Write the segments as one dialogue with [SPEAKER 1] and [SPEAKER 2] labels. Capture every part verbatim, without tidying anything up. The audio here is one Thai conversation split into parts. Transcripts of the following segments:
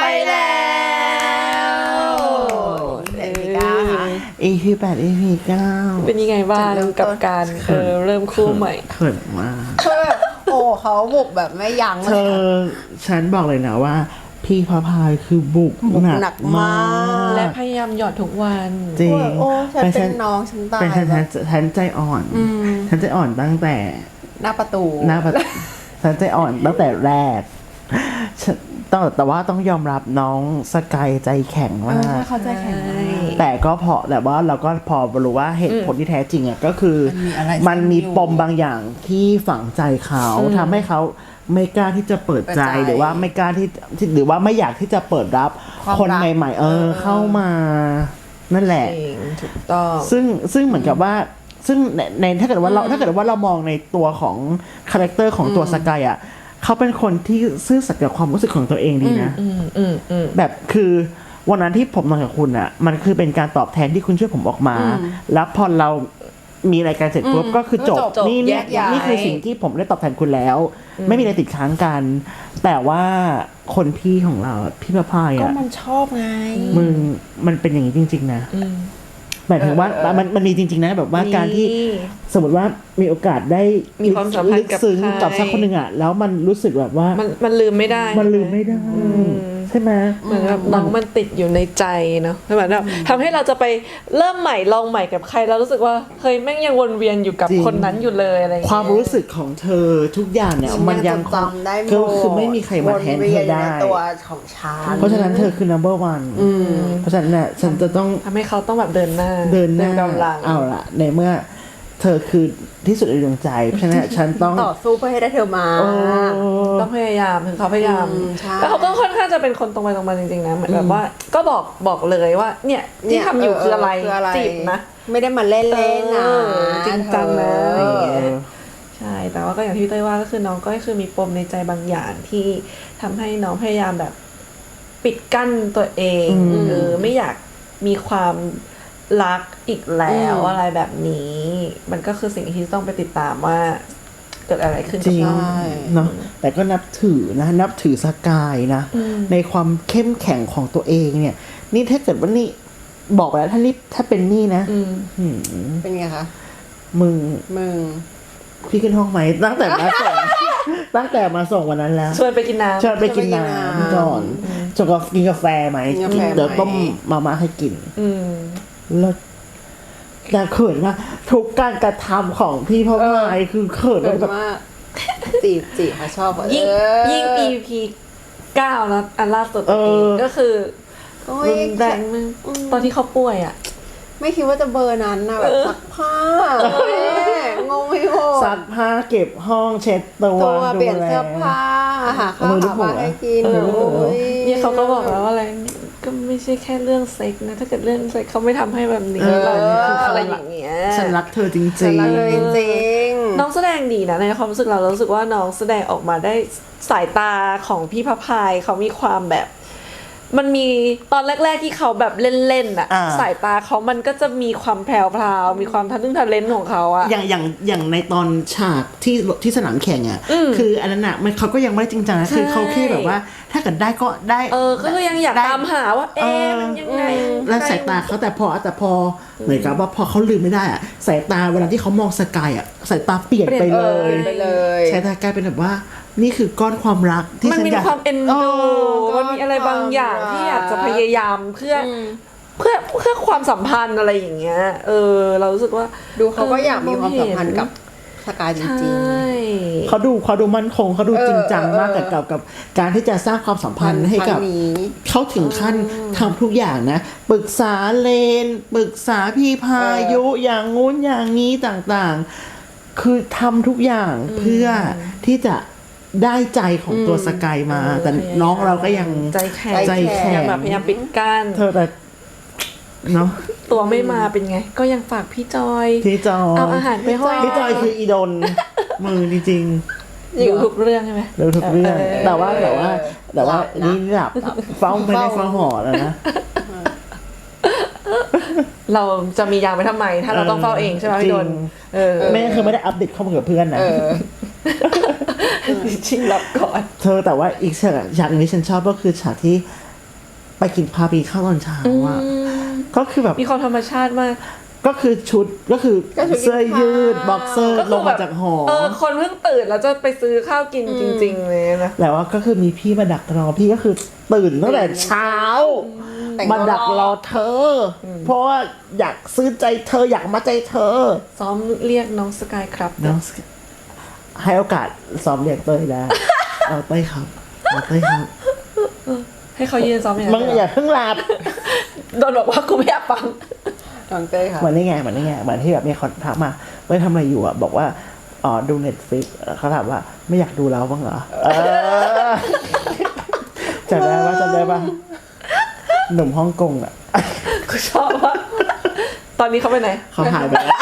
[SPEAKER 1] แล้วเออ
[SPEAKER 2] อี พี แปด อี พี เก้า
[SPEAKER 1] เป็นยังไงบ้างกับการเออเริ่มคู่ใหม่
[SPEAKER 2] เขินมาก
[SPEAKER 3] คือแบบโอ้เขาบุกแบบไม่ยั้ง
[SPEAKER 2] เธอฉันบอกเลยนะว่าพี่พระพายคือบุกหนักมาก
[SPEAKER 1] และพยายามหยอดทุกวัน
[SPEAKER 2] จริง
[SPEAKER 3] โอ้ฉันเป็นน้องฉันตาย
[SPEAKER 2] เป็นฉันฉันใจอ่อนฉันใจอ่อนตั้งแต่
[SPEAKER 3] หน้าประตู
[SPEAKER 2] หน้าประตูฉันใจอ่อนตั้งแต่แรกต้องแต่ว่าต้องยอมรับน้องสกายใจแข็งมาก
[SPEAKER 3] เขาใจแข็ง
[SPEAKER 2] แต่ก็พอแต่ว่าเราก็พอรู้ว่าเหตุผลที่แท้จริงอ่ะก็คือมันมีปมบางอย่างที่ฝังใจเขาทำให้เขาไม่กล้าที่จะเปิดใจหรือว่าไม่กล้าที่หรือว่าไม่อยากที่จะเปิดรับคนใหม่ๆเออเข้ามานั่นแหละ
[SPEAKER 1] ถูกต้อง
[SPEAKER 2] ซึ่งซึ่งเหมือนกับว่าซึ่งในถ้าเกิดว่าเราถ้าเกิดว่าเรามองในตัวของคาแรคเตอร์ของตัวสกายอ่ะเขาเป็นคนที่ซื่อสัตย์กับความรู้สึกของตัวเองดีนะแบบคือวันนั้นที่ผมนอนกับคุณอ่ะมันคือเป็นการตอบแทนที่คุณช่วยผมออกมาแล้วพอเรามีรายการเสร็จปุ๊บก็คือจบนี่นี่นี่คือสิ่งที่ผมได้ตอบแทนคุณแล้วไม่มีอะไรติดค้างกันแต่ว่าคนพี่ของเราพี่พระพายอ่ะ
[SPEAKER 3] ก็มันชอบไง
[SPEAKER 2] มึงมันเป็นอย่างนี้จริงๆนะหมายถึงว่ามันมันมีจริงๆนะแบบว่าการที่สมมติว่ามีโอกาสได้
[SPEAKER 1] มีความสัมพันธ์กับ
[SPEAKER 2] ซึ้งกับสักคนหนึ่งอ่ะแล้วมันรู้สึกแบบว่า
[SPEAKER 1] มันมันลืมไม่ได้
[SPEAKER 2] มันลืมไม่ได้ใช่ไหม
[SPEAKER 1] เหมือนแบบน้องมันติดอยู่ในใจเนาะเหมือนแบบทำให้เราจะไปเริ่มใหม่ลองใหม่กับใครเรารู้สึกว่าเฮ้ยแม่งยังวนเวียนอยู่กับคนนั้นอยู่เลยอะไร
[SPEAKER 2] ความรู้สึกของเธอทุกอย่างเนี่ยมันยัง
[SPEAKER 3] จำได้
[SPEAKER 2] ก็คือไม่มีใครมาแทนเธอได้
[SPEAKER 3] ตัวของฉัน
[SPEAKER 2] เพราะฉะนั้นเธอคือ number one เพราะฉะนั้นเนี่ยฉันจะต้อง
[SPEAKER 1] ทำให้เขาต้องแบบเดินหน้า
[SPEAKER 2] เดินหน้าเอาละในเมื่อเธอคือที่สุดในดวงใจเพราะฉะนั้นฉันต้อง
[SPEAKER 3] ต่อสู้เพื่อให้ได้เธอมา
[SPEAKER 1] ต้องพยายามถึงเขาพยายามแล้วเขาก็ค่อนข้างจะเป็นคนตรงไปตรงมาจริงๆนะเหมือนแบบว่าก็บอกบอกเลยว่าเนี่ยที่ทำอยู่คืออะไรจีบนะ
[SPEAKER 3] ไม่ได้มาเล่นๆนะ
[SPEAKER 1] จริงจังนะใช่แต่ว่าก็อย่างที่พี่เต้ยว่าก็คือน้องก็คือมีปมในใจบางอย่างที่ทำให้น้องพยายามแบบปิดกั้นตัวเองเออไม่อยากมีความรักอีกแล้วอะไรแบบนี้มันก็คือสิ่งที่ต้องไปติดตามว่าเกิดอะไรขึ้น
[SPEAKER 2] กับน้องเนาะแต่ก็นับถือนะนับถือสกายนะในความเข้มแข็งของตัวเองเนี่ยนี่ถ้าเกิดว่านี่บอกไปแล้วถ้านี่ถ้าเป็นนี่นะ
[SPEAKER 3] เป็นไงคะ
[SPEAKER 2] มึง
[SPEAKER 3] มึง
[SPEAKER 2] พี่ขึ้นห้องไหมตั้งแต่มาส่งตั้งแต่มาส่งวันนั้นแล้ว
[SPEAKER 1] ชวนไปกินน้ำ
[SPEAKER 2] ชวนไปกินน้ำก่อนจะก็กินกาแฟไหมเดี๋ยวต้มมาม่าให้กินแล้วแต่เขินมากทุกการกระทำของพี่พ่อพายคือเขินแบบ
[SPEAKER 3] จีบจีบเขาชอบ
[SPEAKER 1] ยิ่งยิ่ง อี พี เก้านะอันล่าสุดก็คือรุนแรงมากตอนที่เขาป่วยอ่ะ
[SPEAKER 3] ไม่คิดว่าจะเบอร์นั้นนะแบบซักผ้างงไม่งง
[SPEAKER 2] ซักผ้าเก็บห้องเช็ดตัว
[SPEAKER 3] เปลี่ยนเสื้อผ้าหาข้าวหาปลาให้กิน
[SPEAKER 1] เนี่ยเขาก็บอกแล้วว่าอะไรก็ไม่ใช่แค่เรื่องเซ็กนะถ้าเกิดเรื่องเซ็กเขาไม่ทำให้แบบนี้เราอะไรอย่างเงี้ย
[SPEAKER 2] ฉันรักเธอจริงๆ
[SPEAKER 3] ฉันรักเธอจริง
[SPEAKER 1] น้องแสดงดีนะในความรู้สึกเราเรารู้สึกว่าน้องแสดงออกมาได้สายตาของพี่พระพายเขามีความแบบมันมีตอนแรกๆที่เขาแบบเล่นๆอ่ะสายตาเขามันก็จะมีความแพรวๆมีความทันทึ่งทันเลนของเขาอ่ะ
[SPEAKER 2] อย่างอย่างอย่างในตอนฉากที่ที่สนามแข่งอ่ะคืออันนั้นอ่ะมันเขาก็ยังไม่จริงจังนะคือเขาแค่แบบว่าถ้าเกิดได้ก็ได้
[SPEAKER 1] เออก็ยังอยากตามหาว่าเอ๊ะมันยังไง
[SPEAKER 2] แล้วสายตาเขาแต่พอแต่พอเหมือนกับว่าพอเขาลืมไม่ได้อ่ะสายตาเวลาที่เขามองสกายอ่ะสายตาเปลี่ยนไปเลยสายตากลายเป็นแบบว่านี่คือก้อนความรักที่
[SPEAKER 1] มันมีความเอ็นดูมันมีอะไรบางอย่างที่อยากจะพยายามเพื่อเพื่อเพื่อความสัมพันธ์อะไรอย่างเงี้ยเออเรารู้สึกว่า
[SPEAKER 3] ดูเขาก็อยากมีความสัมพันธ์กับสกายจริง
[SPEAKER 2] ๆเขาดูเขาดูมั่นคงเขาดูจริงจังมากกับกับกับการที่จะสร้างความสัมพันธ์ให้กับเขาถึงขั้นทำทุกอย่างนะปรึกษาเลนปรึกษาพี่พายุอย่างงู้นอย่างนี้ต่างๆคือทำทุกอย่างเพื่อที่จะได้ใจของตัวสกายมาแต่น้องเราก็ยัง
[SPEAKER 1] ใจแข็งใจแข็งแบบพยายามปิดกั้น
[SPEAKER 2] เธอแต่เนาะ
[SPEAKER 1] ตัวไม่มาเป็นไงก็ยังฝากพี่จอย
[SPEAKER 2] พี่จอย
[SPEAKER 1] เอาอาหารไปให้
[SPEAKER 2] พี่จอยคืออีดนมือจริง
[SPEAKER 1] ๆอยู่ทุกเรื่องใช่ไหม
[SPEAKER 2] อยู่ทุกเรื่องแต่ว่าแต่ว่าแต่ว่านี่หลับเฝ้าไม่ได้เฝ้าหอแล้วนะ
[SPEAKER 1] เราจะมียางไปทำไมถ้าเราต้องเฝ้าเองใช่ไหมพี่ดน
[SPEAKER 2] ไม่คือไม่ได้อัปเดตข้อมูลกับเพื่อนนะ
[SPEAKER 1] ชิงหลับก่อน
[SPEAKER 2] เธอแต่ว่าอีกฉากฉากนึงที่ฉันชอบก็คือฉากที่ไปกินพาไปข้าวตอนเช้าอ่ะก็คือแบบ
[SPEAKER 1] มีความธรรมชาติมาก
[SPEAKER 2] ก็คือชุดก็คือ
[SPEAKER 3] ก็ชุด
[SPEAKER 2] เสื้อยืดบ็อกเซอร์
[SPEAKER 1] ก็
[SPEAKER 2] ล
[SPEAKER 1] คื
[SPEAKER 2] ง
[SPEAKER 1] แบ
[SPEAKER 2] มา
[SPEAKER 1] บ
[SPEAKER 2] จากหอ
[SPEAKER 1] เออคนเพิ่งตื่นแล้วจะไปซื้อข้าวกินจริงๆเลยนะ
[SPEAKER 2] แต่ว่าก็คือมีพี่มาดักรอพี่ก็คือตื่นตั้งแต่เช้า
[SPEAKER 3] แต่ง
[SPEAKER 2] มาดักรอเธออเพราะว่าอยากซื้อใจเธออยากมาใจเธอ
[SPEAKER 1] ซ้อมเรียกน้องสกายครับ
[SPEAKER 2] น้องให้โอกาสซ้อมเรียกเต้ยแล้ว เอาเต้ยครับเอาเต้ยครับ
[SPEAKER 1] ให้เขายืนซ้อมอย่าง
[SPEAKER 2] มึงอย่าเพิ่งหลับ
[SPEAKER 1] โดนบอกว่ากูไม่อยากฟัง
[SPEAKER 3] น้องเต้ยค่ะ
[SPEAKER 2] เหมือนนี่ไงเหมือนนี่ไงเหมือนที่แบบมีคนถามมาเต้ยทำอะไรอยู่อ่ะบอกว่าอ๋อดูเน็ตฟลิกเขาถามว่าไม่อยากดูแล้วบ้างเหรอเออจำได้ว่าจำได้ป่ะหนุ่มฮ่องกงอ่ะ
[SPEAKER 1] กูชอบว่า ตอนนี้เขาไปไหน
[SPEAKER 2] เขาหายไปแล้ว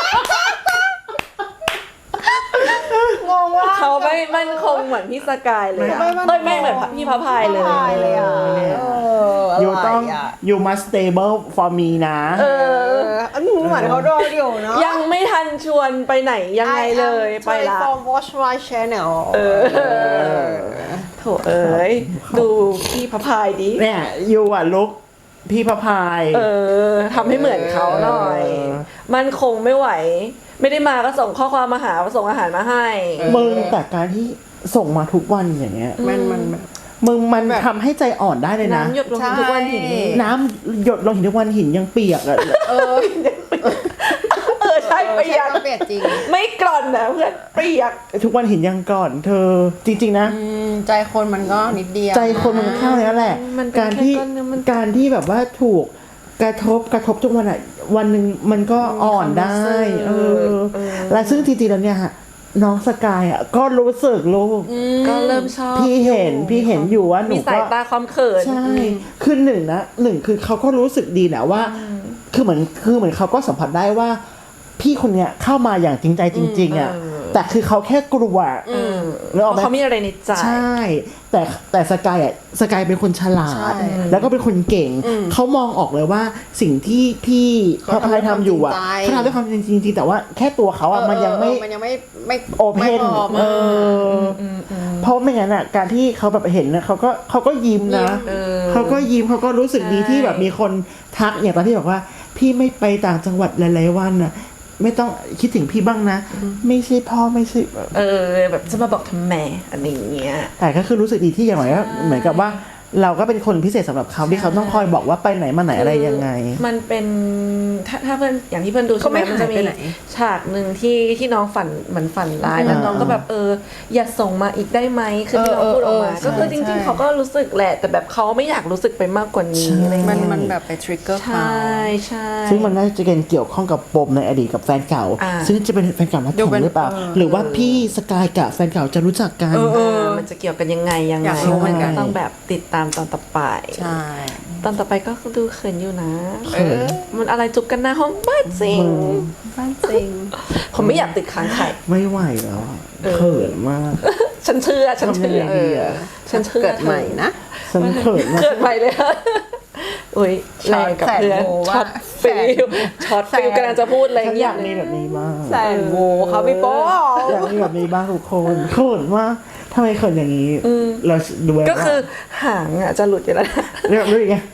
[SPEAKER 3] งงว่า
[SPEAKER 1] เขาไม่มั่นคงเหมือนพี่สกายเลยอะ
[SPEAKER 3] ไม่มั่นคง
[SPEAKER 1] เอ้ยไม่เหมือนพี่พระพายเลย
[SPEAKER 3] ตายเลยอ่ะเอออะไร
[SPEAKER 2] you ต้อง
[SPEAKER 3] อ่ะ
[SPEAKER 2] you must stable for me นะ
[SPEAKER 3] เอออันนี้เหมือนเขารอเดียวเนาะ
[SPEAKER 1] ยังไม่ทันชวนไปไหนยังไงเลยไปละ
[SPEAKER 3] I am from Watch My Channel
[SPEAKER 1] เออโถเอ้ยดูพี่พระพายดิ
[SPEAKER 2] เนี่ย you อ่ะลุกพี่พระพาย
[SPEAKER 1] เออทำให้เหมือนเขาหน่อย มันคงไม่ไหว ไม่ได้มาก็ส่งข้อความมาหาส่งอาหารมาให้
[SPEAKER 2] มึงแต่การที่ส่งมาทุกวันอย่างเงี้ย
[SPEAKER 3] มันมันแบบ
[SPEAKER 2] มึงมัน
[SPEAKER 3] แบบ
[SPEAKER 2] ทำให้ใจอ่อนได้เลยนะ
[SPEAKER 1] น้ำหยดลงทุกวันหิน
[SPEAKER 3] ใช่
[SPEAKER 2] น้ำหยดลงหินทุกวันหินยังเปียกอะ
[SPEAKER 3] เออ
[SPEAKER 1] เออใช่เปียก
[SPEAKER 3] เปียกจริง
[SPEAKER 1] ไม่กร่อนนะเพื่อนเปียก
[SPEAKER 2] ทุกวันหินยังก่อน เธอจริงๆนะ
[SPEAKER 3] อืมใจคนมันก็นิดเดียว
[SPEAKER 2] ใจคนมันเข้าแล้วแหละ
[SPEAKER 1] มันเป็น
[SPEAKER 2] การที่
[SPEAKER 1] แค่ก้อนเนื้อมัน
[SPEAKER 2] การที่แบบว่าถูกกระทบกระทบทุกวันอ่ะวันหนึ่งมันก็อ่อนได้ เออ และซึ่งจริงๆแล้วเนี่ยฮะน้องสกายอ่ะก็รู้สึกลูก
[SPEAKER 1] ก็เริ่มชอบ
[SPEAKER 2] พี่เห็นพี่เห็นอยู่ว่าหนู
[SPEAKER 1] มีสาย
[SPEAKER 2] ก็
[SPEAKER 1] ตาความเขิน
[SPEAKER 2] ใช่คือหนึ่งนะหนึ่งคือเขาก็รู้สึกดีแหละว่า คือเหมือนคือเหมือนเขาก็สัมผัสได้ว่า พี่คนเนี้ยเข้ามาอย่างจริงใจจริงๆอ่ะ
[SPEAKER 1] เออ
[SPEAKER 2] แต่คือเขาแค่กลัว
[SPEAKER 1] อืม
[SPEAKER 2] นึกออกไหม
[SPEAKER 1] เขามีอะไรในใจ
[SPEAKER 2] ใช่ แต่แต่สกายอ่ะสกายเป็นคนฉลาด
[SPEAKER 3] ใช่
[SPEAKER 2] แล้วก็เป็นคนเก่ง เขามองออกเลยว่าสิ่งที่พี่พระพายทำอยู่อ่ะ
[SPEAKER 3] เขา
[SPEAKER 2] เขา
[SPEAKER 3] ทำด้วยความจริงใจ
[SPEAKER 2] ทำด้วยความจริงจริงๆแต่ว่าแค่ตัวเขาอ่ะมันยังไม่
[SPEAKER 3] เออมันยังไม่ไม่
[SPEAKER 2] โอเพ
[SPEAKER 3] ไม่
[SPEAKER 2] น
[SPEAKER 3] พร้อม
[SPEAKER 2] เอออเพราะไม่งั้นอ่ะการที่เขาแบบเห็นนะเขาก็เขาก็ยิ้มนะ
[SPEAKER 1] เออ
[SPEAKER 2] เขาก็ยิ้มเขาก็รู้สึกดี
[SPEAKER 1] ใช่
[SPEAKER 2] ที่แบบมีคนทักอย่างตอนที่บอกว่า พี่ไม่ไปต่างจังหวัดหลายๆวันอ่ะ ไม่ต้องคิดถึงพี่บ้างนะ ไม่ใช่พ่อไม่ใช่
[SPEAKER 1] เออ แบบจะมาบอกทำไมอะไรอย่างเงี้ย
[SPEAKER 2] แต่ก็คือรู้สึกดีที่อย่างไรก็เหมือนกับว่า เราก็เป็นคนพิเศษสำหรับเขาที่เขาต้องคอยบอกว่าไปไหนมาไหนอะไรยังไง
[SPEAKER 1] มันเป็นถ้าถ้าเพื่อนอย่างที่เพื่อนดูใช่ไหม
[SPEAKER 3] เขาไม่
[SPEAKER 1] มันจะมี
[SPEAKER 3] หายไปไหน
[SPEAKER 1] ฉากหนึ่งที่ที่น้องฝันเหมือนฝันร้ายแล้ว
[SPEAKER 2] อ่า
[SPEAKER 1] น้องก็แบบเอออย่าส่งมาอีกได้ไหมคือที่น้องพูดออกมา
[SPEAKER 3] เออเออ
[SPEAKER 1] ก็คือจ
[SPEAKER 3] ใช่
[SPEAKER 1] ริง ๆเขาก็รู้สึกแหละ แต่แบบเขาไม่อยากรู้สึกไปมากกว่านี้อะไร
[SPEAKER 3] มัน
[SPEAKER 1] เงี้ย
[SPEAKER 3] มันแบบไปทริกเกอร์
[SPEAKER 1] ใช
[SPEAKER 3] เขา
[SPEAKER 1] ่ใช่
[SPEAKER 2] ซึ่งมันน่าจะเกี่ยวข้องกับปมในอดีตกับแฟนเก่า
[SPEAKER 1] อ่า
[SPEAKER 2] ซึ่งจะเป็นแฟนเก่านัด
[SPEAKER 3] ดู
[SPEAKER 2] แข่
[SPEAKER 3] เป็น
[SPEAKER 2] งหรือเปล่า
[SPEAKER 3] เออ
[SPEAKER 2] หรือว่าพี่สกายกับแฟนเก่าจะรู้จักกัน
[SPEAKER 3] เออเออ
[SPEAKER 1] มันจะเกี่ยวกันยังไงยัง
[SPEAKER 3] อ
[SPEAKER 1] ไง
[SPEAKER 3] ยากรู้เหมือนกัน
[SPEAKER 1] ต้องแบบติดตามตอนต่อไป
[SPEAKER 3] ใช่
[SPEAKER 1] ตอนต่อไปก็ดูเขินอยู่นะ
[SPEAKER 2] เขิน
[SPEAKER 1] มันอะไรจุบกันหน้าห้องบ้านจริง
[SPEAKER 3] บ้านจริง
[SPEAKER 1] ผมไม่อยากติดค้างไข่
[SPEAKER 2] ไม่ไหวแล้วอะเขินมาก
[SPEAKER 1] ฉันเชื่อฉันเชื่อ
[SPEAKER 2] ทำยังไงดีอะ
[SPEAKER 1] ฉันเชื่อ
[SPEAKER 3] เกิดใหม่นะ
[SPEAKER 2] ฉันเขินมาก
[SPEAKER 1] เกิดใหม่เลยอุ้ย
[SPEAKER 3] ช็
[SPEAKER 1] แร
[SPEAKER 3] อต
[SPEAKER 1] งกับเพื่อน
[SPEAKER 3] แสนโวว่า
[SPEAKER 1] ช็อตฟิลช็อต
[SPEAKER 3] แสน
[SPEAKER 1] ฟิลกำลังจะพูดอะไร
[SPEAKER 2] ฉันอยากมี
[SPEAKER 1] เงี้ย
[SPEAKER 2] แบบนี้บ้าง
[SPEAKER 3] แสนโวครับพี่โป๊
[SPEAKER 2] อยากมีแบบนี้บ้างทุกคนเขินมากทำไมเขินอย่างนี้เราดูแล้ว
[SPEAKER 1] ก็คือหางอ่ะจะหลุดอยู่แล้วนะ
[SPEAKER 2] เรียกรู้ยังไง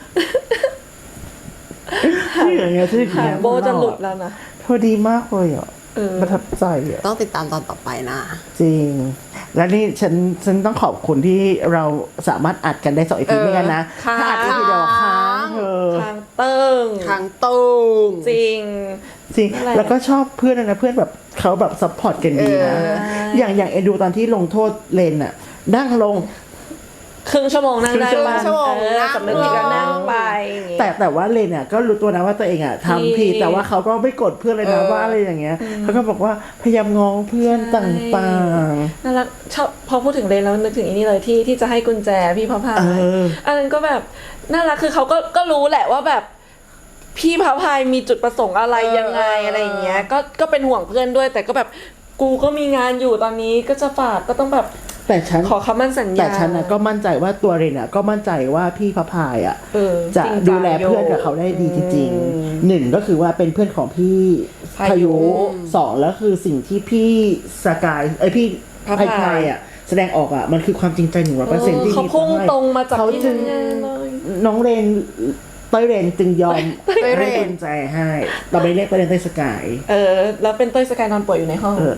[SPEAKER 2] ที่อย่างเงี้ยที่
[SPEAKER 1] หางโบจะหลุดแล้วนะ
[SPEAKER 2] พอดีมากเลยอ่ะ
[SPEAKER 1] เออ
[SPEAKER 2] ประทับใจอ่ะ
[SPEAKER 3] ต้องติดตามตอนต่อไปนะ
[SPEAKER 2] จริง และนี่ฉันฉันต้องขอบคุณที่เราสามารถอัดกันได้สองอีพีไม่กันนะ
[SPEAKER 1] ค้าง
[SPEAKER 2] ถ้าอัดอีพีเดียวค้างเธอ
[SPEAKER 1] ทางเติ้ง
[SPEAKER 3] ทางตุ้ง
[SPEAKER 1] จริง
[SPEAKER 2] จริง
[SPEAKER 1] นั่นแหละ
[SPEAKER 2] แล้วก็ชอบเพื่อนนะเพื่อนแบบเขาแบบซัพพอร์ตกันดีนะ
[SPEAKER 3] เออ
[SPEAKER 2] อย่างอย่างเอ็นดูตอนที่ลงโทษเลนอ่ะนั่งลง
[SPEAKER 1] ครึ่งชั่วโมงนั่งได้
[SPEAKER 2] ครึ่ง
[SPEAKER 1] บ้าง
[SPEAKER 3] ชั่วโมง
[SPEAKER 1] เออ
[SPEAKER 3] นั่ง
[SPEAKER 1] สำนึกผิดก็นั่งไปอย่างงี้
[SPEAKER 2] แต่แต่ว่าเลนอ่ะก็รู้ตัวนะว่าตัวเองอ่ะทำผิด
[SPEAKER 1] ผิด
[SPEAKER 2] แต่ว่าเขาก็ไม่กดเพื่อนเลยนะ
[SPEAKER 3] เออ
[SPEAKER 2] ว่าอะไรอย่างเงี้ยเขาก็บอกว่าพยายามง้อเพื่อนต่าง
[SPEAKER 1] น่ารักชอบพอพูดถึงเลนแล้วนึกถึงอันนี้เลยที่ที่จะให้กุญแจพี่พระพา
[SPEAKER 2] ๆเอย อ
[SPEAKER 1] อันนั้นก็แบบน่ารักคือเขาก็ก็รู้แหละว่าแบบพี่พระพายมีจุดประสงค์อะไร
[SPEAKER 3] เออ
[SPEAKER 1] ยังไง
[SPEAKER 3] เอออ
[SPEAKER 1] อะไรอย่างเงี้ยก็ก็เป็นห่วงเพื่อนด้วย แต่ก็แบบกูก็มีงานอยู่ตอนนี้ก็จะฝากก็ต้องแบบ
[SPEAKER 2] แต่ฉัน
[SPEAKER 1] ขอคำมั่นสัญญา
[SPEAKER 2] แต่ฉันน่ะก็มั่นใจว่าตัวเรนอ่ะก็มั่นใจว่าพี่พระพายอ่ะ
[SPEAKER 1] เออ
[SPEAKER 2] จะ
[SPEAKER 1] จริง
[SPEAKER 2] ดูแล
[SPEAKER 1] จัง
[SPEAKER 2] เพื่อนกับเขาได้ดีจริงๆหนึ่งก็คือว่าเป็นเพื่อนของพี่
[SPEAKER 1] พายุ
[SPEAKER 2] พายุสองแล้วคือสิ่งที่พี่สกายไอยพี่
[SPEAKER 1] พระ
[SPEAKER 2] พาย
[SPEAKER 1] พาย
[SPEAKER 2] พายอ่ะแสดงออกอ่ะมันคือความจริงใจหนึ่งร้อยเปอร์เซ็นต์ที่
[SPEAKER 1] เขาพุ่งตรงมาจาก
[SPEAKER 2] เขา
[SPEAKER 1] ที่
[SPEAKER 2] จึง
[SPEAKER 1] ทำงานเลย
[SPEAKER 2] อน้องเรนเต้ยเรนจึงยอม
[SPEAKER 3] เต้ยเรน
[SPEAKER 2] ให้เป็นใจให้เราไปเรียกเต้ยเรนเต้ยสกาย
[SPEAKER 1] เออ แล้วเป็นเต้ยสกายนอนป่วยอยู่ในห้อง
[SPEAKER 2] เออ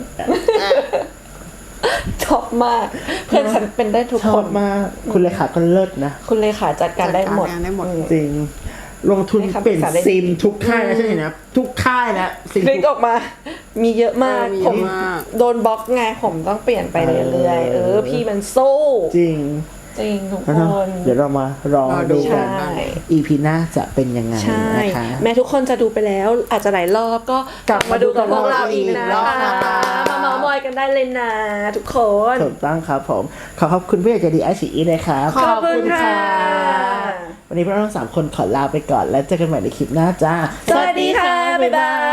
[SPEAKER 1] ชอบมาก เพื่อนฉันเป็นได้ทุก
[SPEAKER 2] ช
[SPEAKER 1] ค
[SPEAKER 2] อบ
[SPEAKER 1] น
[SPEAKER 2] มากคุณเลขาก็เลิศนะ
[SPEAKER 1] คุณเลขาจัดการได้หมด
[SPEAKER 3] จัดการได้หมด
[SPEAKER 2] จริง ลงทุน
[SPEAKER 1] ให้คำ
[SPEAKER 2] เปลี่ยน
[SPEAKER 1] ปรึกษาได้
[SPEAKER 2] ซิมทุกค่ายนะใช่ไหมนะทุกค่ายนะซิม
[SPEAKER 1] คลิกออกมา มีเยอะมาก
[SPEAKER 3] เออมี
[SPEAKER 1] ผ
[SPEAKER 3] เย
[SPEAKER 1] ม
[SPEAKER 3] อะมาก
[SPEAKER 1] โดนบล็อกไง ผมต้องเปลี่ยนไปเรื่อยๆ เออ พี่มันสู้
[SPEAKER 2] จริง
[SPEAKER 1] จริงทุก
[SPEAKER 2] แล้ว
[SPEAKER 1] ค
[SPEAKER 2] เนอะ
[SPEAKER 1] น
[SPEAKER 2] เดี๋ยวเรามารอ
[SPEAKER 3] รอดู
[SPEAKER 2] ดู
[SPEAKER 1] ใช่
[SPEAKER 2] กัน อี พี หน้าจะเป็นยังไง
[SPEAKER 1] ใช่
[SPEAKER 2] นะคะ
[SPEAKER 1] แม้ทุกคนจะดูไปแล้ว อาจจะหลายรอบก็
[SPEAKER 2] กลับมาดูกับ
[SPEAKER 1] พวกเราอีก
[SPEAKER 2] อีก
[SPEAKER 1] นะ
[SPEAKER 2] รอบ
[SPEAKER 1] คะ
[SPEAKER 2] นะคะ
[SPEAKER 1] มาเมาท์มอยกันได้เลยนะทุกคน
[SPEAKER 2] ถูกต้องครับผม ขอขอบคุณพี่ใหญ่ใจดีไอซีอีนะครับ
[SPEAKER 1] ขอบคุณค่ะ
[SPEAKER 2] วันนี้พวกเราทั้งสามคนขอลาไปก่อนแล้วเจอกันใหม่ในคลิปหน้าจ้า
[SPEAKER 1] สวัสดีค่ะ บ๊ายบาย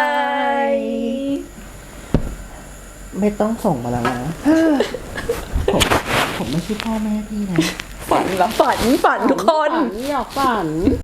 [SPEAKER 2] ไม่ต้องส่งมาแล้วนะ ผมผมไม่ใช่พ่อแม่พี่นะ
[SPEAKER 1] ฝันเหรอฝันฝันทุกคน
[SPEAKER 3] ฝันอยากฝัน